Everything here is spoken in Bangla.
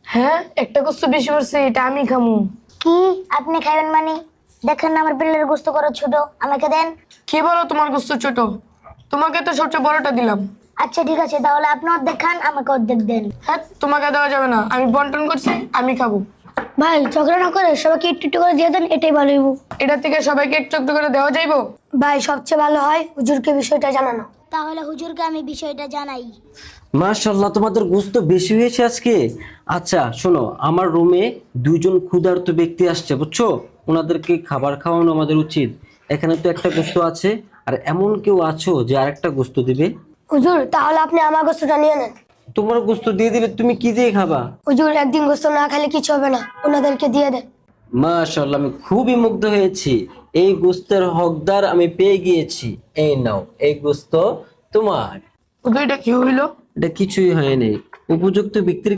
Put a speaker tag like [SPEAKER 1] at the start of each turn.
[SPEAKER 1] হ্যাঁ, একটা গোস্ত বেশি পড়ছে, এটা আমি খামু।
[SPEAKER 2] কি আপনি খাইবেন মানে? দেখেন না আমার প্লেটের গোস্ত কত ছোট, আমাকে দেন।
[SPEAKER 1] কি বলো তোমার গোস্ত ছোট? তোমাকে তো সবচেয়ে বড়টা দিলাম।
[SPEAKER 2] আচ্ছা ঠিক আছে, তাহলে আপনি অর্ধেক খান, আমাকে অর্ধেক দেন।
[SPEAKER 1] হ্যাঁ, তোমাকে দেওয়া যাবে না, আমি বন্টন করছি, আমি খাবো।
[SPEAKER 2] ভাই ঝগড়া না করে সবাইকে একটু একটু করে দিয়ে দেন, এটাই ভালো হইব।
[SPEAKER 1] এটা থেকে সবাইকে একটু একটু করে দেওয়া যাইবো?
[SPEAKER 2] ভাই সবচেয়ে ভালো হয় হুজুরকে বিষয়টা জানানো। তাহলে হুজুরকে আমি বিষয়টা জানাই।
[SPEAKER 3] মাশাআল্লাহ, তোমাদের গোস্ত বেশি হয়েছে আজকে। আচ্ছা শোনো, আমার রুমে দুইজন ক্ষুধার্ত ব্যক্তি আসছে, বুঝছো? ওনাদেরকে খাবার খাওয়ানো আমাদের উচিত। এখানে তো একটা গোস্ত আছে, আর এমন কেউ আছো যে আরেকটা গোস্ত দিবে?
[SPEAKER 2] হুজুর তাহলে আপনি আমার গোস্তটা নিয়ে নেন।
[SPEAKER 3] তোমার গোস্ত দিয়ে দিলে তুমি কি দিয়ে খাবা?
[SPEAKER 2] হুজুর একদিন গোস্ত না খেলে কিছু হবে না, ওনাদেরকে দিয়ে দেন।
[SPEAKER 3] মাশাআল্লাহ, আমি খুবই মুগ্ধ হয়েছি। এই গোস্তের হকদার আমি পেয়ে গিয়েছি। এই নাও, এই গোস্ত তোমার।
[SPEAKER 1] ওকে, এটা কি হইলো?
[SPEAKER 3] এটা কিছুই হয়নি। উপযুক্ত ব্যক্তির